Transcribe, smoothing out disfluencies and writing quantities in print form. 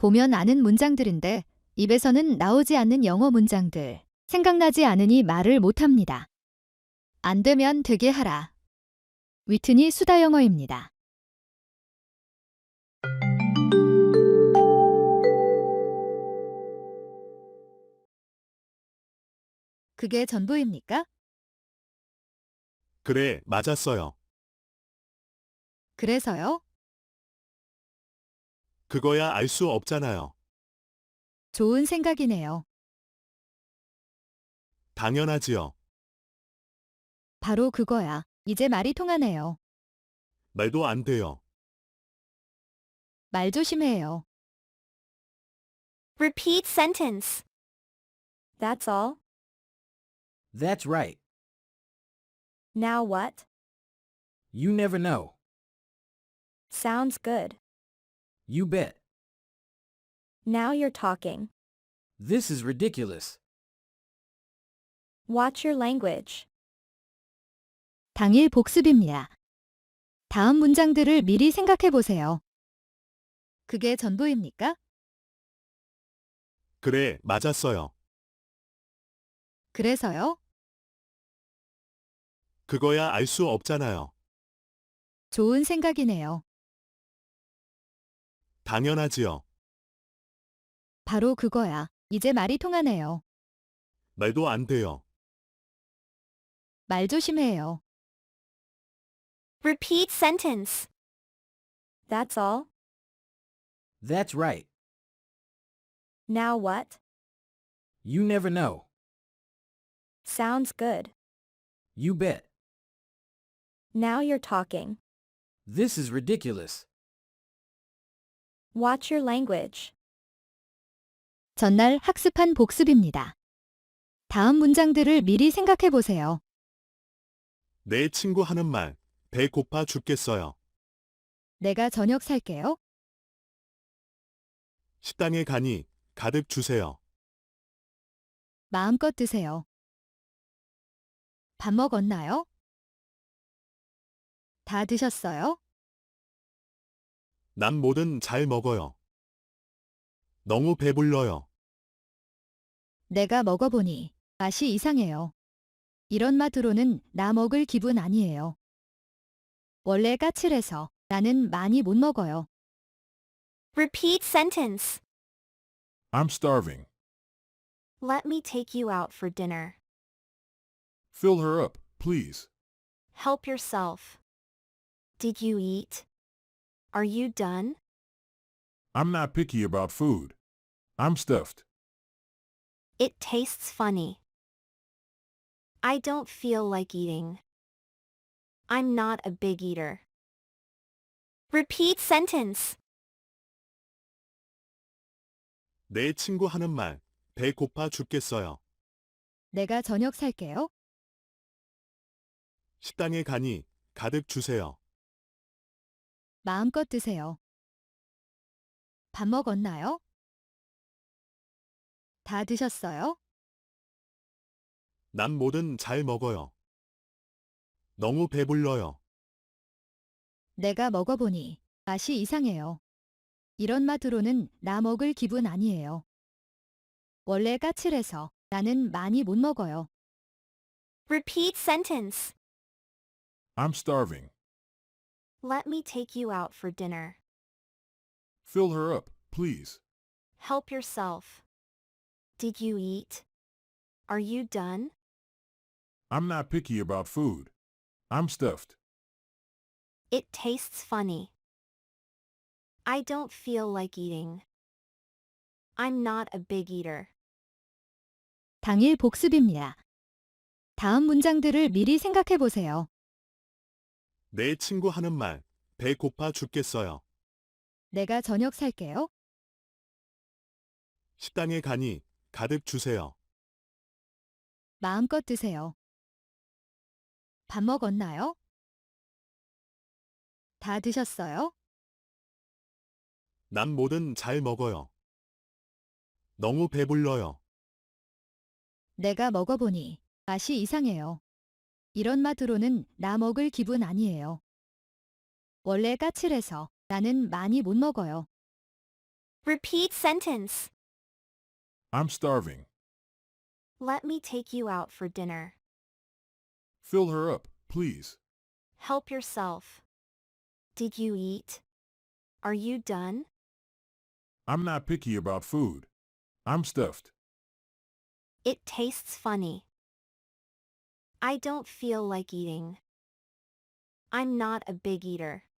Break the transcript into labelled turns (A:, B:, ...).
A: 보면 아는 문장들인데 입에서는 나오지 않는 영어 문장들. 생각나지 않으니 말을 못합니다. 안 되면 되게 하라. 위트니 수다 영어입니다. 그게 전부입니까?
B: 그래, 맞았어요.
A: 그래서요?
B: 그거야 알 수 없잖아요.
A: 좋은 생각이네요.
B: 당연하지요.
A: 바로 그거야. 이제 말이 통하네요.
B: 말도 안 돼요.
A: 말 조심해요.
C: Repeat sentence. That's all.
D: That's right.
C: Now what?
D: You never know.
C: Sounds good.
D: You bet.
C: Now you're talking.
D: This is ridiculous.
C: Watch your language.
A: 당일 복습입니다. 다음 문장들을 미리 생각해 보세요. 그게 전부입니까?
B: 그래, 맞았어요.
A: 그래서요?
B: 그거야 알 수 없잖아요.
A: 좋은 생각이네요.
B: 당연하지요.
A: 바로 그거야. 이제 말이 통하네요.
B: 말도 안 돼요.
A: 말 조심해요.
C: Repeat sentence. That's all.
D: That's right.
C: Now what?
D: You never know.
C: Sounds good.
D: You bet.
C: Now you're talking.
D: This is ridiculous.
C: Watch your language.
A: 전날 학습한 복습입니다. 다음 문장들을 미리 생각해 보세요.
B: 내 친구 하는 말, 배 고파 죽겠어요.
A: 내가 저녁 살게요.
B: 식당에 가니 가득 주세요.
A: 마음껏 드세요. 밥 먹었나요? 다 드셨어요?
B: 난 뭐든 잘 먹어요. 너무 배불러요.
A: 내가 먹어보니 맛이 이상해요. 이런 맛으로는 나 먹을 기분 아니에요. 원래 까칠해서 나는 많이 못 먹어요.
C: Repeat sentence.
E: I'm starving.
C: Let me take you out for dinner.
E: Fill her up, please.
C: Help yourself. Did you eat? Are you done?
E: I'm not picky about food. I'm stuffed.
C: It tastes funny. I don't feel like eating. I'm not a big eater. Repeat sentence.
B: 내 친구 하는 말, 배 고파 죽겠어요.
A: 내가 저녁 살게요.
B: 식당에 가니 가득 주세요.
A: 마음껏 드세요. 밥 먹었나요? 다 드셨어요?
B: 난 뭐든 잘 먹어요. 너무 배불러요.
A: 내가 먹어보니 맛이 이상해요. 이런 맛으로는 나 먹을 기분 아니에요. 원래 까칠해서 나는 많이 못 먹어요.
C: Repeat sentence.
E: I'm starving.
C: Let me take you out for dinner.
E: Fill her up, please.
C: Help yourself. Did you eat? Are you done?
E: I'm not picky about food. I'm stuffed.
C: It tastes funny. I don't feel like eating. I'm not a big eater.
A: 당일 복습입니다. 다음 문장들을 미리 생각해 보세요.
B: 내 친구 하는 말, 배 고파 죽겠어요.
A: 내가 저녁 살게요.
B: 식당에 가니 가득 주세요.
A: 마음껏 드세요. 밥 먹었나요? 다 드셨어요?
B: 난 뭐든 잘 먹어요. 너무 배불러요.
A: 내가 먹어보니 맛이 이상해요. 이런 맛으로는 나 먹을 기분 아니에요. 원래 까칠해서 나는 많이 못 먹어요.
C: Repeat sentence.
E: I'm starving.
C: Let me take you out for dinner.
E: Fill her up, please.
C: Help yourself. Did you eat? Are you done?
E: I'm not picky about food. I'm stuffed.
C: It tastes funny. I don't feel like eating. I'm not a big eater.